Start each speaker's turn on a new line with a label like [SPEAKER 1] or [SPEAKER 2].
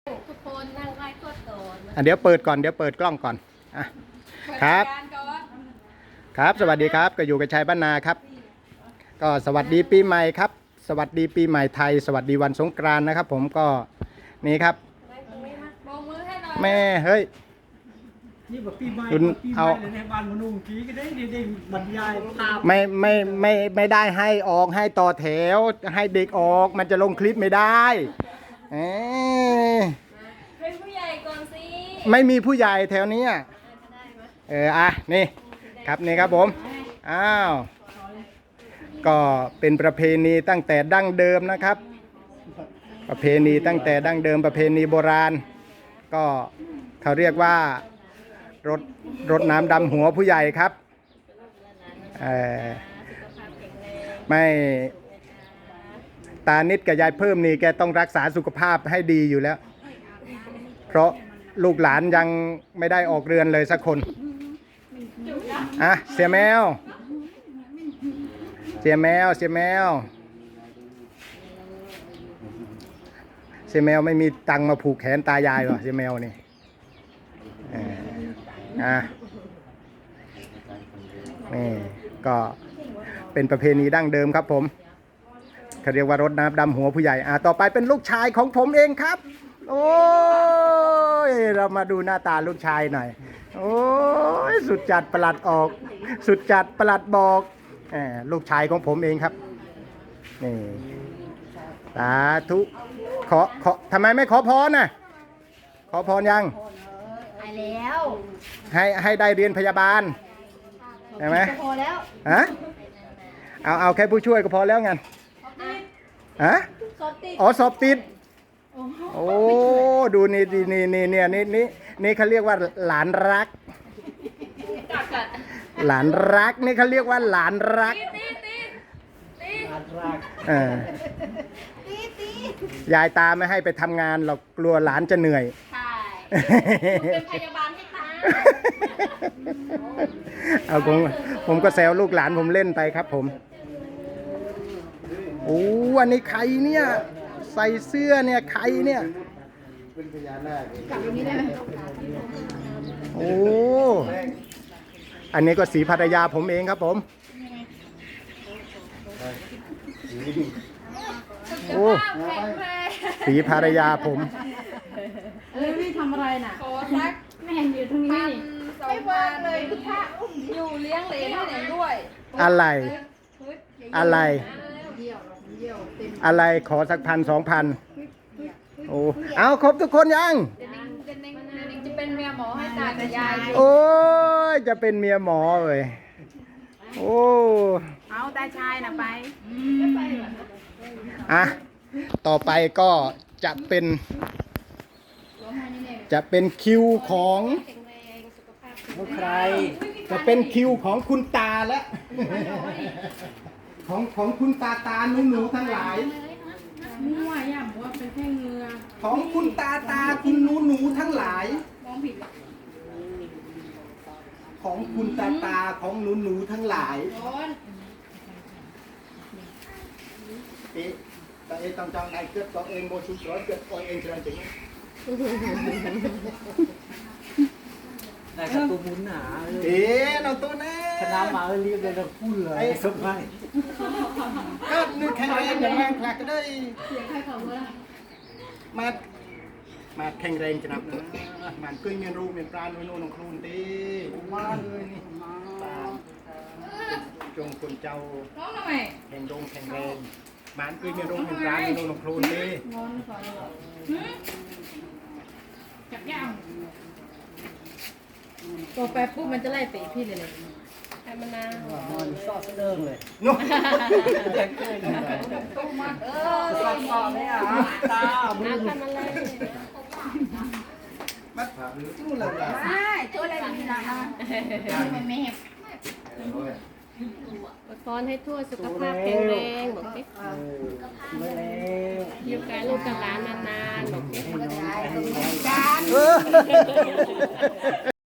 [SPEAKER 1] ทุกคนนั่งไหว้ทวดก่อน
[SPEAKER 2] เดี๋ยวเปิดก่อนเดี๋ยวเปิดกล้องก่อนอ่ะครับครับสวัสดีครับก็อยู่กับชัยบ้านนาครับก็สวัสดีปีใหม่ครับ สวัสดีปีใหม่ไทย สวัสดีวันสงกรานต์นะครับผมก็นี่ครับแม่เฮ้ย
[SPEAKER 3] นี่แบบปีใหม่
[SPEAKER 2] คุณเอา
[SPEAKER 3] ในบ้านมนุษย์กี้ก็ได้เด็กบรรยายภาพ
[SPEAKER 2] ไม่ได้ให้ออกให้ต่อแถวให้เด็กออกมันจะลงคลิปไม่ได้
[SPEAKER 1] เป็นผู้ใหญ่ก่อนสิ
[SPEAKER 2] ไม่มีผู้ใหญ่แถวนี้นี่ครับนี่ครับผมอ้าวก็เป็นประเพณีตั้งแต่ดั้งเดิมนะครับประเพณีตั้งแต่ดั้งเดิมประเพณีโบราณก็เขาเรียกว่ารดน้ำดำหัวผู้ใหญ่ครับไม่ตานิดกับยายเพิ่มนี่แกต้องรักษาสุขภาพให้ดีอยู่แล้วเพราะลูกหลานยังไม่ได้ออกเรือนเลยสักคนเสียแมวเสียแมวเสียแมวเสียแมวไม่มีตังค์มาผูกแขนตายายหรอเสียแมวนี่นี่ก็เป็นประเพณีดั้งเดิมครับผมเขาเรียกว่ารดน้ำดำหัวผู้ใหญ่ต่อไปเป็นลูกชายของผมเองครับโอ้ยเรามาดูหน้าตาลูกชายหน่อยโอ้ยสุดจัดประหลัดออกสุดจัดประหลัดบอกลูกชายของผมเองครับนี่สาธุขอทำไมไม่ขอพรน่ะขอพรยัง
[SPEAKER 1] ไปแล้ว
[SPEAKER 2] ให้ได้เรียนพยาบาลใช่ไหม
[SPEAKER 1] พอแล้ว
[SPEAKER 2] ฮะเอาแค่ผู้ช่วยก็พอแล้วไงฮะสอบติดโอ้ดูนี่เขาเรียกว่าหลานรักหลานรักนี่เขาเรียกว่าหลานรักยายตาไม่ให้ไปทำงานหรอกกลัวหลานจะเหนื่อย
[SPEAKER 1] ใช่เป็นพยาบาลให้ตา
[SPEAKER 2] เอาผมก็แซวลูกหลานผมเล่นไปครับผมโอ้อันนี้ใครเนี่ยใส่เสื้อเนี่ยใครเนี่ยเป็นพญานาคกลับตรงนี้ได้ไหมโอ้อันนี้ก็สีภรรยาผมเองครับผมโอ้สีภรรยาผม
[SPEAKER 1] พี่ทำอะไรน่ะขอรักแม่อยู่ตรงนี้ไม่เบิกเลยพี่พระอยู่เลี้ยงเหลนให้ไหนด้วย
[SPEAKER 2] อะไรขอสัก1,000-2,000โอ้เอาครบทุกคนยัง
[SPEAKER 1] จะเป็นเมียหมอให้ตากับยาย
[SPEAKER 2] โอ้ยจะเป็นเมียหมอเลยโอ้
[SPEAKER 1] เอาตาชายน่ะไป
[SPEAKER 2] ต่อไปก็จะเป็นคิวของใครจะเป็นคิวของคุณตาและของคุณตาหนูทั้งหลาย
[SPEAKER 1] มั่วย่ำว่าเป็นแค่เงือ
[SPEAKER 2] ของคุณตาคุณหนูทั้งหลาย
[SPEAKER 1] มองผิด
[SPEAKER 2] ของคุณตาของหนูทั้งหลายแต่ต้องจองในเกิดตัวเองโมชุดร้อยเกิดตัวเองเชิญถึง
[SPEAKER 3] แต่กับตัวมุนหนา
[SPEAKER 2] เราตัวแน่
[SPEAKER 3] คณะมาเรียกเลยเราพูดเลยสบาย
[SPEAKER 2] ก็นึกแข่งแรงอย่างแรงคลักก็ได้มาแข่งแรงจะนับนะมันกึ่งเมียนรูเมียนปลาโน่นของครูนตีมาเลยนี่จงคนเจ้าแข่งแข่งแรงมันกึ่งเมียนรูเมียนปลาโน่นของครูนตี
[SPEAKER 1] จับย่างตัวแปรปุ๊บมันจะไล่เตะพี่เลยแต่มันนา
[SPEAKER 3] ซอสเริ่มเลย
[SPEAKER 2] นุ่ม
[SPEAKER 3] ซอสเลยตา
[SPEAKER 1] มือมันเลย
[SPEAKER 2] มาตู้เลย
[SPEAKER 1] ใช่ตัวอะไรมีหนาไม่แม่พรให้ทั่วสุขภาพแข็งแรงบอกสิอยู่กับลูกกับหลานนานๆบอกสิ